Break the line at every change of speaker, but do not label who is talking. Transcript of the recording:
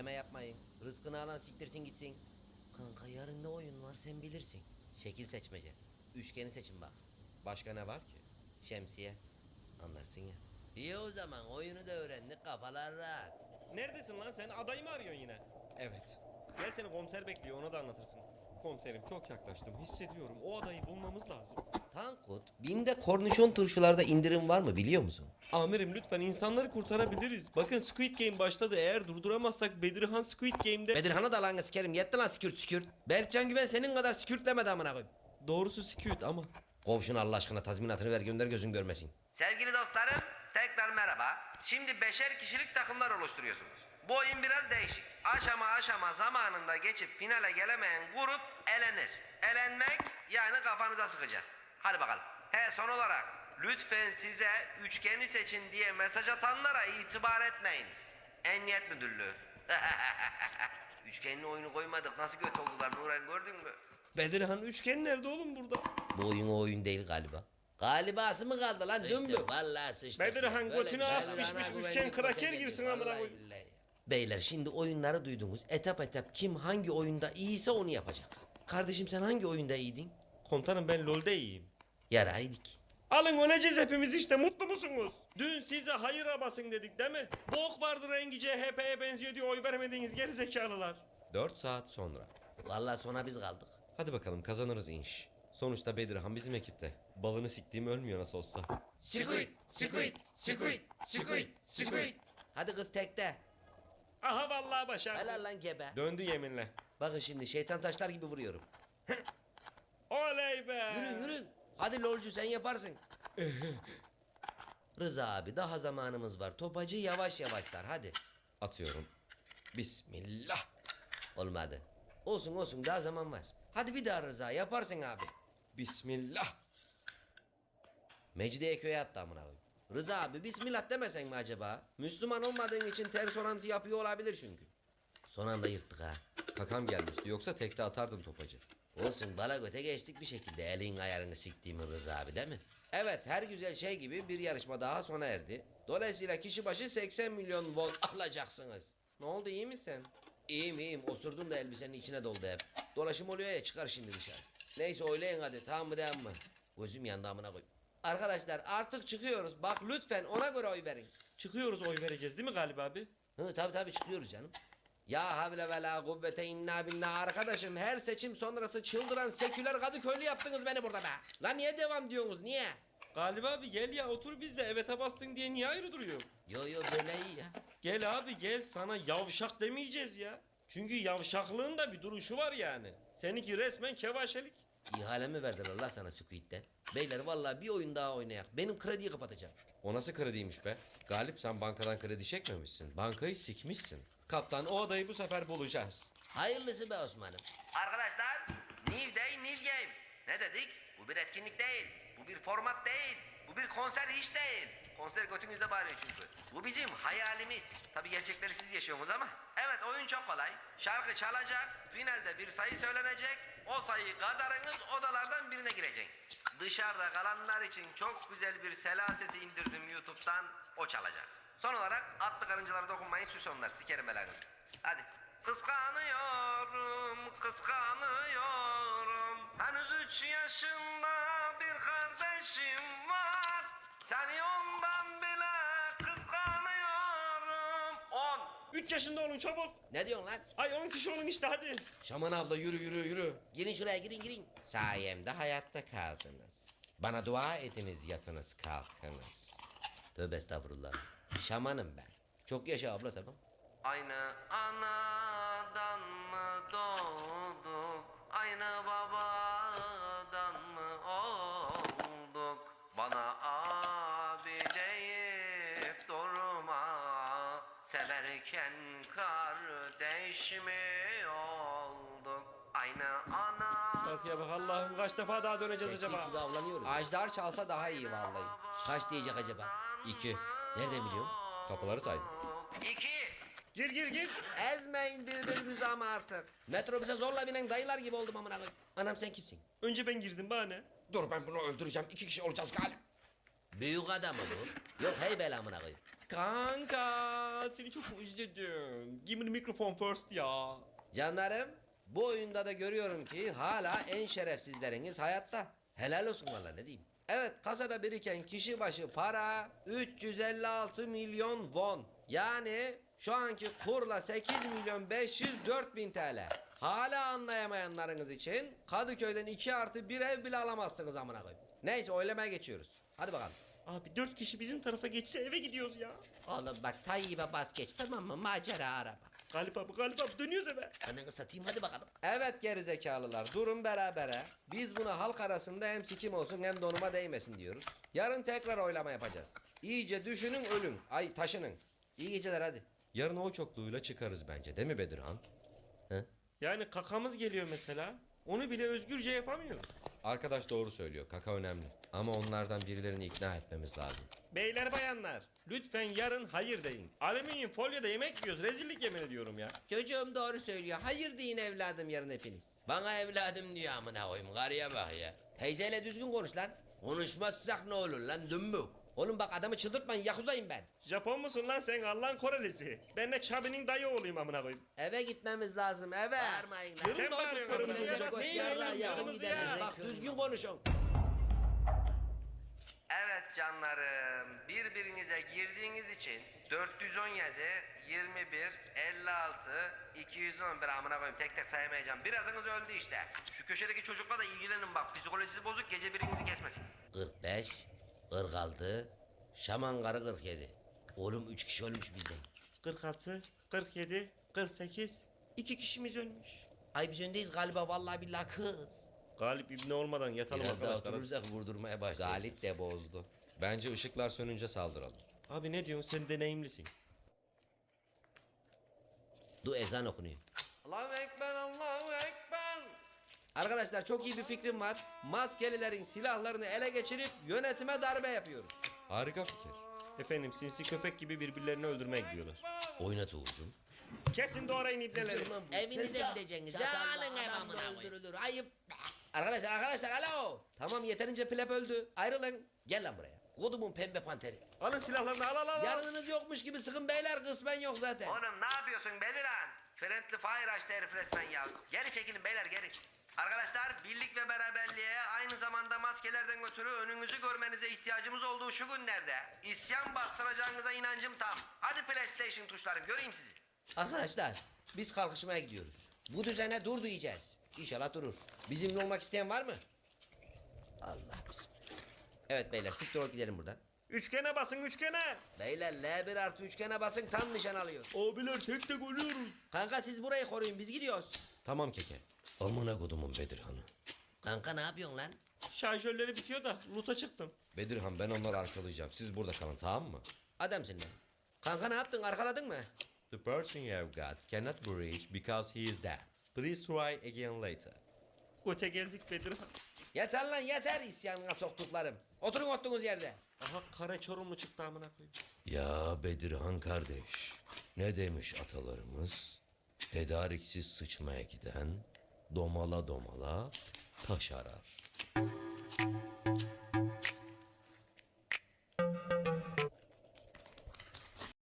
Gönderme yapmayın. Rızkını alan siktirsin gitsin. Kanka yarın ne oyun var sen bilirsin. Şekil seçmece. Üçgeni seçin bak.
Başka ne var ki?
Şemsiye. Anlarsın ya. İyi o zaman oyunu da öğrendik kafalar rahat.
Neredesin lan sen? Adayı mı arıyorsun yine?
Evet.
Gel seni komiser bekliyor, ona da anlatırsın. Komiserim çok yaklaştım, hissediyorum. O adayı bulmamız lazım.
Tankut, BİM'de kornişon turşularda indirim var mı biliyor musun?
Amirim lütfen insanları kurtarabiliriz. Bakın Squid Game başladı. Eğer durduramazsak Bedirhan Squid Game'de...
Bedirhan'ı da lan sikerim yetti lan skürt. Berkcan Güven senin kadar skürtlemedi amına koyayım.
Doğrusu Squid ama...
Kov şunu Allah aşkına tazminatını ver gönder gözün görmesin.
Sevgili dostlarım, tekrar merhaba. Şimdi beşer kişilik takımlar oluşturuyorsunuz. Bu oyun biraz değişik. Aşama zamanında geçip finale gelemeyen grup elenir. Elenmek yani kafanıza sıkacağız. Hadi bakalım. Son olarak lütfen size üçgeni seçin diye mesaj atanlara itibar etmeyiniz. Emniyet Müdürlüğü. Üçgenli oyunu koymadık. Nasıl göt oldular Nuran gördün mü?
Bedirhan üçgen nerede oğlum burada?
Bu oyun o oyun değil galiba. Galibası mı kaldı lan dümbük?
Sıçtık vallahi sıçtık.
Bedirhan
ya. Böyle
götünü
bir şey
az
var.
pişmiş
Ana
üçgen
güvenlik
kraker
paketi
girsin
gibi,
amına
vallahi
koyayım.
billahi.
Beyler şimdi oyunları duydunuz. Etap kim hangi oyunda iyiyse onu yapacak. Kardeşim sen hangi oyunda iyiydin?
Komutanım ben LoL'de iyiyim.
Yaraydık.
Alın öleceğiz hepimiz işte, mutlu musunuz? Dün size hayıra basın dedik değil mi? Bok vardı rengi CHP'ye benziyor diye oy vermediğiniz gerizekalılar.
4 saat sonra.
Vallahi sona biz kaldık.
Hadi bakalım kazanırız inş. Sonuçta Bedirhan bizim ekipte. Balını siktiğim ölmüyor nasıl olsa.
Squid. Hadi kız tekte.
Aha vallahi başardım.
Helal lan gebe.
Döndü yeminle.
Bakın şimdi şeytan taşlar gibi vuruyorum.
Oley be.
Yürü. Hadi lolcu sen yaparsın. Rıza abi daha zamanımız var. Topacı yavaş yavaş sar hadi.
Atıyorum. Bismillah.
Olmadı. Olsun daha zaman var. Hadi bir daha Rıza yaparsın abi.
Bismillah.
Mecidiyeköy'e attı amına koyayım. Rıza abi bismillah demesen mi acaba? Müslüman olmadığın için ters orantı yapıyor olabilir çünkü. Son anda yırttık ha.
Kakam gelmişti yoksa tekte atardım topacı.
Olsun bala göte geçtik bir şekilde elin ayarını siktiğimi Rıza abi değil mi? Evet her güzel şey gibi bir yarışma daha sona erdi. Dolayısıyla kişi başı 80 milyon won alacaksınız. Ne oldu iyi misin? İyiyim osurdum da elbisenin içine doldu hep. Dolaşım oluyor ya çıkar şimdi dışarı. Neyse oylayın hadi tamam mı değil mi? Gözüm yandı amına koy. Arkadaşlar artık çıkıyoruz. Bak lütfen ona göre oy verin.
Çıkıyoruz, oy vereceğiz değil mi Galip abi?
Hı tabii çıkıyoruz canım. Ya havle ve la kuvvete inna billah arkadaşım her seçim sonrası çıldıran seküler Kadıköylü yaptınız beni burada be. Lan niye devam diyorsunuz niye?
Galip abi gel ya, otur bizle, evet'e bastın diye niye ayrı duruyor?
Yo böyle iyi ya.
Gel abi gel, sana yavşak demeyeceğiz ya. Çünkü yavşaklığın da bir duruşu var yani. Seninki resmen kevaşelik.
İhale mi verdiler Allah sana Squid'den? Beyler vallahi bir oyun daha oynayak. Benim krediyi kapatacağım.
O nasıl krediymiş be? Galip sen bankadan kredi çekmemişsin. Bankayı sikmişsin. Kaptan o adayı bu sefer bulacağız.
Hayırlısı be Osman'ım.
Arkadaşlar, New Day New Game. Ne dedik? Bu bir etkinlik değil. Bu bir format değil. Bu bir konser hiç değil. Konser götünüzde bağırıyor çünkü. Bu bizim hayalimiz. Tabi gerçekleri siz yaşıyorsunuz ama. Evet oyun çok kolay. Şarkı çalacak. Finalde bir sayı söylenecek. O sayı kadarınız odalardan birine girecek. Dışarıda kalanlar için çok güzel bir sela sesi indirdim YouTube'dan. O çalacak. Son olarak atlı karıncalara dokunmayın süs onlar. Sikerim belanızı. Hadi. Kıskanıyorum. Henüz 3 yaşında bir kardeşim var. Seni ondan bile kıskanıyorum. 10.
3 yaşında olun çabuk.
Ne diyorsun lan?
Ay 10 kişi olun işte hadi.
Şaman abla yürü.
Girin şuraya girin. Sayemde hayatta kaldınız. Bana dua ediniz yatınız kalkınız. Tövbe estağfurullah. Şamanım ben. Çok yaşa abla tamam.
Aynı anadan mı doğduk? Aynı babadan mı olduk? Bana abi deyip durma. Severken kardeş mi olduk? Aynı ana.
Şarkıya bak Allah'ım, kaç defa daha döneceğiz
Teknik
acaba?
gibi avlanıyoruz.
Ajdar çalsa daha iyi vallahi.
Kaç diyecek acaba?
2.
Nereden biliyorsun?
Kapıları saydım.
2.
Gir.
Ezmeyin birbirinizi ama artık. Metrobüse zorla binen dayılar gibi oldum amına koyayım. Anam sen kimsin?
Önce ben girdim bana ne?
Dur ben bunu öldüreceğim. 2 kişi olacağız Galip.
Büyük adam mı bu? Yok hey bela amına koyayım.
Kanka seni çok özledim. Give me the microphone first ya.
Canlarım, bu oyunda da görüyorum ki hala en şerefsizleriniz hayatta. Helal olsun valla ne diyeyim. Evet, kasada biriken kişi başı para 356 milyon won. Yani şu anki kurla 8 milyon 504 bin TL. Hala anlayamayanlarınız için Kadıköy'den 2+1 ev bile alamazsınız amına koyayım. Neyse, oylamaya geçiyoruz. Hadi bakalım.
Abi 4 kişi bizim tarafa geçse eve gidiyoruz ya.
Oğlum bak, Tayyip'e bas geç, tamam mı? Macera araba.
Galip abi dönüyoruz eve.
Ananı satayım, hadi bakalım. Evet gerizekalılar, durun berabere. Biz buna halk arasında hem sikim olsun hem donuma değmesin diyoruz. Yarın tekrar oylama yapacağız. İyice düşünün, ölün. Ay, taşının. İyi geceler, hadi.
Yarın o çokluğuyla çıkarız bence, değil mi Bedirhan?
Yani kakamız geliyor mesela. Onu bile özgürce yapamıyoruz.
Arkadaş doğru söylüyor, kaka önemli. Ama onlardan birilerini ikna etmemiz lazım.
Beyler bayanlar lütfen yarın hayır deyin. Alüminyum folyoda yemek yiyoruz. Rezillik yemin ediyorum ya.
Çocuğum doğru söylüyor. Hayır deyin evladım yarın hepiniz. Bana evladım diyor amına koyayım. Karıya bak ya. Teyzeyle düzgün konuş lan. Konuşmazsak ne olur lan dümbük. Oğlum bak, adamı çıldırtmayın, yakuzayım ben.
Japon musun lan sen, Allah'ın Korelisi? Ben de Çabi'nin dayı oğluyum amına koyayım.
Eve gitmemiz lazım, eve. Bağırmayın lan.
Sen bağırıyorsun,
Kırmızı
kırmızı
göz
ya.
yarına yakın
Kırmızı
gideriz.
ya.
Bak düzgün konuşun.
Evet canlarım, birbirinize girdiğiniz için 417, 21, 56, 211 amına koyayım, tek tek sayamayacağım. Birazınız öldü işte. Şu köşedeki çocukla da ilgilenin bak, psikolojisi bozuk, gece birinizi kesmesin.
45, 46, Şaman karı 47. Oğlum 3 kişi ölmüş bizden.
46, 47, 48. 2 kişimiz ölmüş.
Ay biz öndeyiz galiba, vallahi billahi kız.
Galip ibne olmadan yatalım
Biraz daha
arkadaşlar.
oturursak vurdurmaya başlar.
Galip de bozdu. Bence ışıklar sönünce saldıralım.
Abi ne diyorsun, sen deneyimlisin.
Du ezan okunuyor. Allahu Ekber, Allahu Ekber. Arkadaşlar çok iyi bir fikrim var. Maskelilerin silahlarını ele geçirip yönetime darbe yapıyoruz.
Harika fikir.
Efendim sinsi köpek gibi birbirlerini öldürmeye gidiyorlar.
Oynat Uğur'cum.
Kesin doğrayın ibneleri.
Evinize gideceksiniz. Canın ev amına öldürülür. Ayıp. Arkadaşlar alo. Tamam, yeterince pleb öldü. Ayrılın. Gel lan buraya. Kodumun pembe panteri.
Alın silahlarını, al.
Yarınınız yokmuş gibi sıkın beyler, kısmen yok zaten.
Oğlum ne yapıyorsun Beliran? Friendly Fire açtı herif resmen ya. Geri çekilin beyler, geri. Arkadaşlar, birlik ve beraberliğe, aynı zamanda maskelerden ötürü önünüzü görmenize ihtiyacımız olduğu şu günlerde isyan bastıracağınıza inancım tam. Hadi PlayStation tuşlarım, göreyim sizi.
Arkadaşlar biz kalkışmaya gidiyoruz. Bu düzene dur diyeceğiz. İnşallah durur. Bizimle olmak isteyen var mı? Allah bismillah. Evet beyler, siktir ol gidelim buradan.
Üçgene basın, üçgene.
Beyler L1 + üçgene basın, tam nişan alıyor.
Abiler tek tek ölüyoruz.
Kanka siz burayı koruyun, biz gidiyoruz.
Tamam keke. Amına kodumun Bedirhan'ı.
Kanka ne yapıyorsun lan?
Şarjörleri bitiyor da loot'a çıktım.
Bedirhan, ben onları arkalayacağım. Siz burada kalın, tamam mı?
Adamsın lan. Kanka ne yaptın, arkaladın mı?
The person you have got cannot be reached because he is dead. Please try again later.
Göte geldik Bedirhan.
Yeter lan yeter, isyanına soktuklarım. Oturun oturduğunuz yerde.
Aha kare Çorumlu çıktı amına koyayım.
Ya Bedirhan kardeş, ne demiş atalarımız? Tedariksiz sıçmaya giden domala domala taş arar.